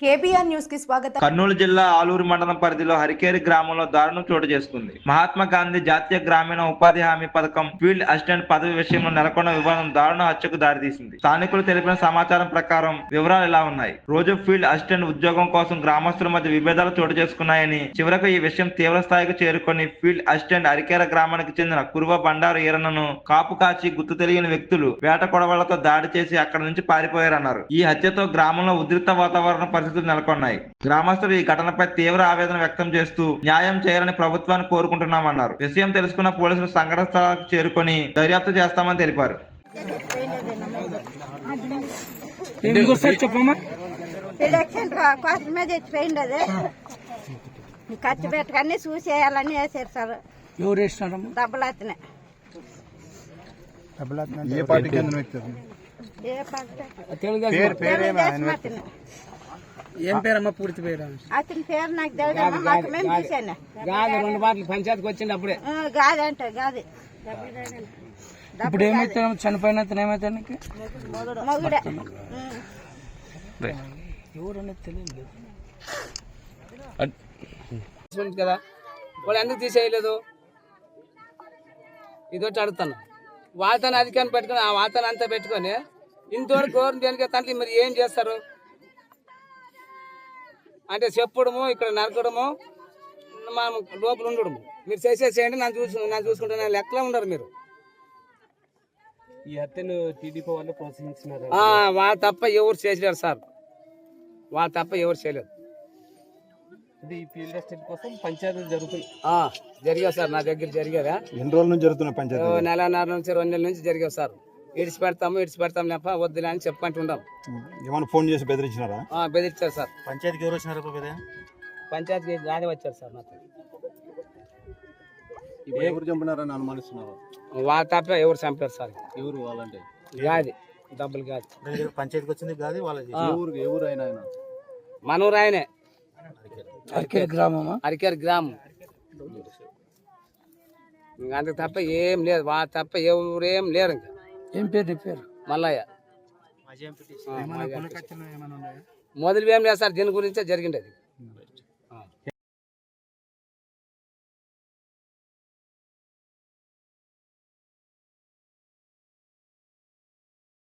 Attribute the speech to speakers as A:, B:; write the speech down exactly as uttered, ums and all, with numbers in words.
A: KBR news కి స్వాగతం.
B: కర్నూలు జిల్లా ఆలూరు మండలం పరిధిలో హరికేరి గ్రామంలో దారుణం చోటు చేసుకుంది. మహాత్మా గాంధీ జాతీయ గ్రామీణ ఉపాధి హామీ పథకం ఫీల్డ్ అసిస్టెంట్ పదవి విషయంలో నెలకొన్న వివాదం దారుణ హత్యకు దారితీసింది. స్థానికులు తెలిపిన సమాచారం ప్రకారం వివరాలు ఇలా ఉన్నాయి. రోజు ఫీల్డ్ అసిస్టెంట్ ఉద్యోగం కోసం గ్రామస్తుల మధ్య విభేదాలు చోటు చేసుకున్నాయని, చివరకు ఈ విషయం తీవ్ర స్థాయికి చేరుకొని ఫీల్డ్ అసిస్టెంట్ హరికేర గ్రామానికి చెందిన కురువ బండారు ఈరన్నను కాపు కాచి గుర్తు తెలియని వ్యక్తులు వేట కొడవలతో దాడి చేసి అక్కడి నుంచి పారిపోయారన్నారు. ఈ హత్యతో గ్రామంలో ఉద్రిక్త వాతావరణ పరిస్థితులు నెలకొన్నాయి. గ్రామస్తులు ఈ ఘటనపై తీవ్ర ఆవేదన వ్యక్తం చేస్తూ న్యాయం చేయాలని ప్రభుత్వాన్ని కోరుకుంటున్నామన్నారు. విషయం తెలుసుకున్న పోలీసులు సంఘటన స్థలానికి చేరుకొని దర్యాప్తు చేస్తామని తెలిపారు.
C: ఖర్చు పెట్టకన్నీ చూసేయాలని వేసారు సార్.
D: ఎవరు వేసినారు?
C: డబ్బులతనే.
E: ఏ పార్టీకి చెందిన వ్యక్తి?
D: ఏం పేరమ్మా పూర్తి పేరు?
C: అతని పేరు నాకు తెలియదు. మాకు మేము చూసాను.
D: గాది రెండు బాటలు పంచాయతీకి వచ్చింది అప్పుడే.
C: గాది అంటే గాది.
D: ఇప్పుడు ఏమైతే చనిపోయిన ఏమైతే
C: మొగుడే.
D: ఎవరనేది తెలియదు కదా. వాళ్ళు ఎందుకు తీసేయలేదు ఇదొచ్చి అడుగుతాను. వాతాన్ని అధికారం పెట్టుకుని ఆ వాతాన్ని అంతా పెట్టుకొని ఇంతవరకు గవర్నమెంట్ దేనికి తండ్రి మరి ఏం చేస్తారు అంటే చెప్పడము, ఇక్కడ నరకడము, మనం లోపల ఉండడము. మీరు చేసేసేయండి, నన్ను చూసు నన్ను చూసుకుంటే లెక్కలో ఉండరు మీరు.
F: ఈ హత్యను టీడీపీ వాళ్ళు ప్రోత్సహించినారు.
D: వాళ్ళు తప్ప ఎవరు చేయలేరు సార్. వాళ్ళు తప్ప ఎవరు చేయలేరు.
F: ఈ ఫీల్డ్ అసిస్టెంట్ కోసం పంచాయతీలు జరుగుతుంది.
D: జరిగావు సార్, నా దగ్గర జరిగారా?
E: ఎన్ని రోజుల నుంచి జరుగుతున్నాయి పంచాయతీ?
D: నెలన్నర నుంచి రెండు నెలల నుంచి జరిగావు సార్. ఇడిచి పెడతాము ఇడిచి పెడతాము లేప వద్దులే అని చెప్పంటుంటాం.
E: ఏమైనా ఫోన్ చేసి బెదిరించినారా?
D: బెదిరించారు సార్.
F: పంచాయతీకి ఎవరు వచ్చినారు?
D: పంచాయతీకి గాలి వచ్చారు సార్. నాకు
E: ఎవరు చంపినారని అనుమానిస్తున్నారు?
D: వాళ్ళ తప్ప ఎవరు చంపారు సార్.
E: ఎవరు వాళ్ళంటే?
D: గాది, డబ్బులు గాది.
F: పంచాయతీకి వచ్చింది గాది వాళ్ళ
E: ఊరు ఎవరు అయినా
D: మనూరు ఆయనే.
F: హరికేరి గ్రామం.
D: హరికేరి గ్రామం. అందుకు తప్ప ఏం లేదు. వాళ్ళ తప్ప ఎవరేం లేరు. ఇంకా
F: ఏం పేరు? పేరు
D: మల్లయ్య. మొదలు ఏం లేదు సార్. దీని గురించే జరిగింది అది.